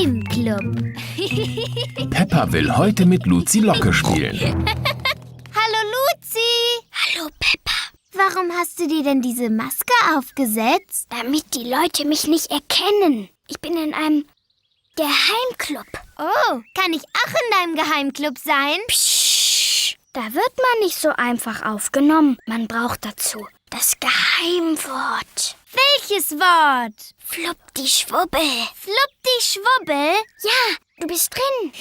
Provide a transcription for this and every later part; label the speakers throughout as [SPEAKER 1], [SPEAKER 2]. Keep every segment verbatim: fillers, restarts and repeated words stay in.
[SPEAKER 1] Geheimclub.
[SPEAKER 2] Peppa will heute mit Luzi Locke spielen.
[SPEAKER 1] Hallo Luzi.
[SPEAKER 3] Hallo Peppa.
[SPEAKER 1] Warum hast du dir denn diese Maske aufgesetzt?
[SPEAKER 3] Damit die Leute mich nicht erkennen. Ich bin in einem Geheimclub.
[SPEAKER 1] Oh, kann ich auch in deinem Geheimclub sein?
[SPEAKER 3] Psst, da wird man nicht so einfach aufgenommen. Man braucht dazu das Geheimwort.
[SPEAKER 1] Welches Wort?
[SPEAKER 3] Fluppdi-Schwubbel.
[SPEAKER 1] Fluppdi-Schwubbel?
[SPEAKER 3] Ja, du bist drin.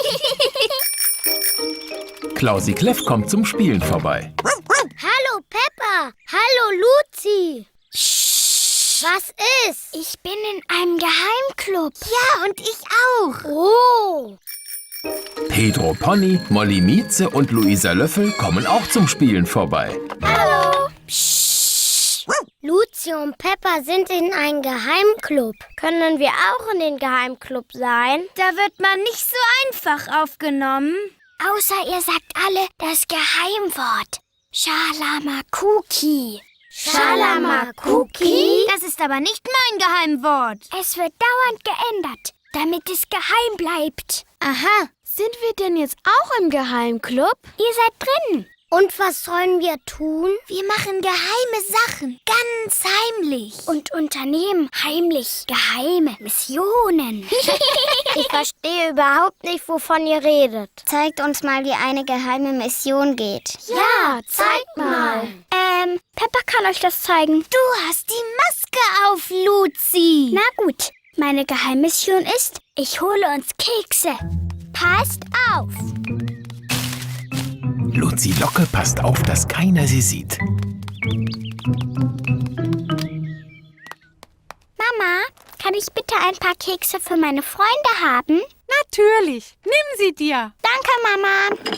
[SPEAKER 2] Klausi Kleff kommt zum Spielen vorbei.
[SPEAKER 1] Hallo Peppa. Hallo Luzi.
[SPEAKER 3] Psst.
[SPEAKER 1] Was ist?
[SPEAKER 3] Ich bin in einem Geheimclub.
[SPEAKER 1] Ja, und ich auch.
[SPEAKER 3] Oh.
[SPEAKER 2] Pedro Pony, Molly Mieze und Luisa Löffel kommen auch zum Spielen vorbei.
[SPEAKER 3] Hallo. Psst.
[SPEAKER 1] Luzi und Peppa sind in einem Geheimclub. Können wir auch in den Geheimclub sein? Da wird man nicht so einfach aufgenommen.
[SPEAKER 3] Außer ihr sagt alle das Geheimwort. Schalamakuki.
[SPEAKER 1] Schalamakuki? Das ist aber nicht mein Geheimwort.
[SPEAKER 3] Es wird dauernd geändert, damit es geheim bleibt.
[SPEAKER 1] Aha. Sind wir denn jetzt auch im Geheimclub?
[SPEAKER 3] Ihr seid drin.
[SPEAKER 1] Und was sollen wir tun? Wir machen geheime Sachen, ganz heimlich.
[SPEAKER 3] Und unternehmen heimlich geheime Missionen.
[SPEAKER 1] Ich verstehe überhaupt nicht, wovon ihr redet. Zeigt uns mal, wie eine geheime Mission geht.
[SPEAKER 3] Ja, zeig mal. Ähm, Peppa kann euch das zeigen.
[SPEAKER 1] Du hast die Maske auf, Luzi.
[SPEAKER 3] Na gut, meine Geheimmission ist, ich hole uns Kekse. Passt auf.
[SPEAKER 2] Luzi Locke passt auf, dass keiner sie sieht.
[SPEAKER 3] Mama, kann ich bitte ein paar Kekse für meine Freunde haben?
[SPEAKER 4] Natürlich. Nimm sie dir.
[SPEAKER 3] Danke,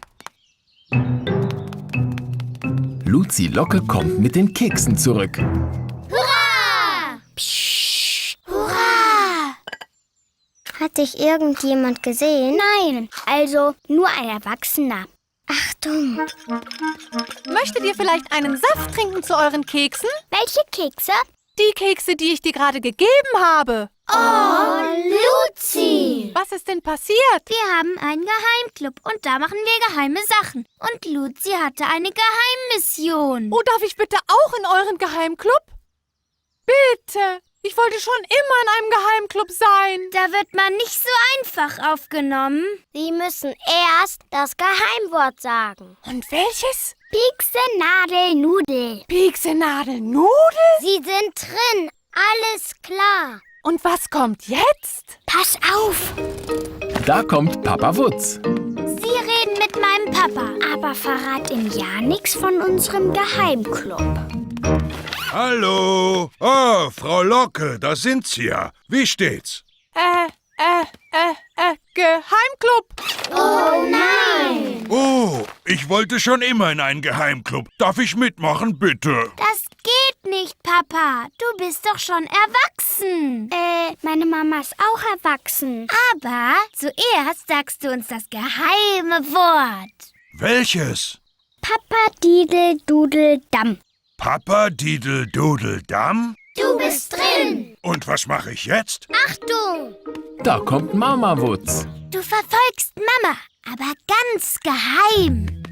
[SPEAKER 3] Mama.
[SPEAKER 2] Luzi Locke kommt mit den Keksen zurück.
[SPEAKER 1] Hurra!
[SPEAKER 3] Psst.
[SPEAKER 1] Hurra! Hat dich irgendjemand gesehen?
[SPEAKER 3] Nein, also nur ein Erwachsener.
[SPEAKER 1] Achtung!
[SPEAKER 4] Möchtet ihr vielleicht einen Saft trinken zu euren Keksen?
[SPEAKER 3] Welche Kekse?
[SPEAKER 4] Die Kekse, die ich dir gerade gegeben habe.
[SPEAKER 1] Oh, Luzi!
[SPEAKER 4] Was ist denn passiert?
[SPEAKER 1] Wir haben einen Geheimclub und da machen wir geheime Sachen. Und Luzi hatte eine Geheimmission.
[SPEAKER 4] Oh, darf ich bitte auch in euren Geheimclub? Bitte. Ich wollte schon immer in einem Geheimclub sein.
[SPEAKER 1] Da wird man nicht so einfach aufgenommen. Sie müssen erst das Geheimwort sagen.
[SPEAKER 4] Und welches?
[SPEAKER 3] Piekse, Nadel, Nudel.
[SPEAKER 4] Piekse, Nadel, Nudel?
[SPEAKER 1] Sie sind drin. Alles klar.
[SPEAKER 4] Und was kommt jetzt?
[SPEAKER 3] Pass auf.
[SPEAKER 2] Da kommt Papa Wutz.
[SPEAKER 1] Sie reden mit meinem Papa.
[SPEAKER 3] Aber verrat ihm ja nichts von unserem Geheimclub.
[SPEAKER 5] Hallo. Oh, Frau Locke, da sind Sie ja. Wie steht's?
[SPEAKER 4] Äh, äh, äh, äh, Geheimclub.
[SPEAKER 1] Oh nein!
[SPEAKER 5] Oh, ich wollte schon immer in einen Geheimclub. Darf ich mitmachen, bitte?
[SPEAKER 1] Das geht nicht, Papa. Du bist doch schon erwachsen.
[SPEAKER 3] Äh, meine Mama ist auch erwachsen.
[SPEAKER 1] Aber zuerst sagst du uns das geheime Wort.
[SPEAKER 5] Welches?
[SPEAKER 3] Papa Didel Dudel Damm.
[SPEAKER 5] Papa Didel Dudel Damm?
[SPEAKER 1] Du bist drin.
[SPEAKER 5] Und was mache ich jetzt?
[SPEAKER 1] Achtung!
[SPEAKER 2] Da kommt Mama Wutz.
[SPEAKER 1] Du verfolgst Mama, aber ganz geheim.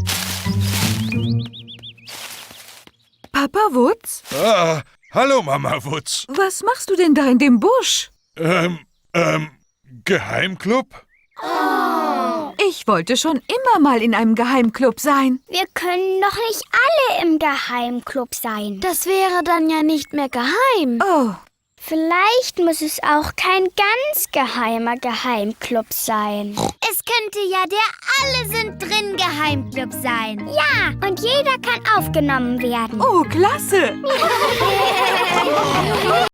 [SPEAKER 6] Papa Wutz?
[SPEAKER 5] Ah, hallo Mama Wutz.
[SPEAKER 6] Was machst du denn da in dem Busch?
[SPEAKER 5] Ähm, ähm, Geheimclub?
[SPEAKER 6] Ich wollte schon immer mal in einem Geheimclub sein.
[SPEAKER 3] Wir können doch nicht alle im Geheimclub sein.
[SPEAKER 1] Das wäre dann ja nicht mehr geheim.
[SPEAKER 6] Oh,
[SPEAKER 3] Vielleicht muss es auch kein ganz geheimer Geheimclub sein.
[SPEAKER 1] Es könnte ja der Alle sind drin Geheimclub sein.
[SPEAKER 3] Ja, und jeder kann aufgenommen werden.
[SPEAKER 6] oh, klasse.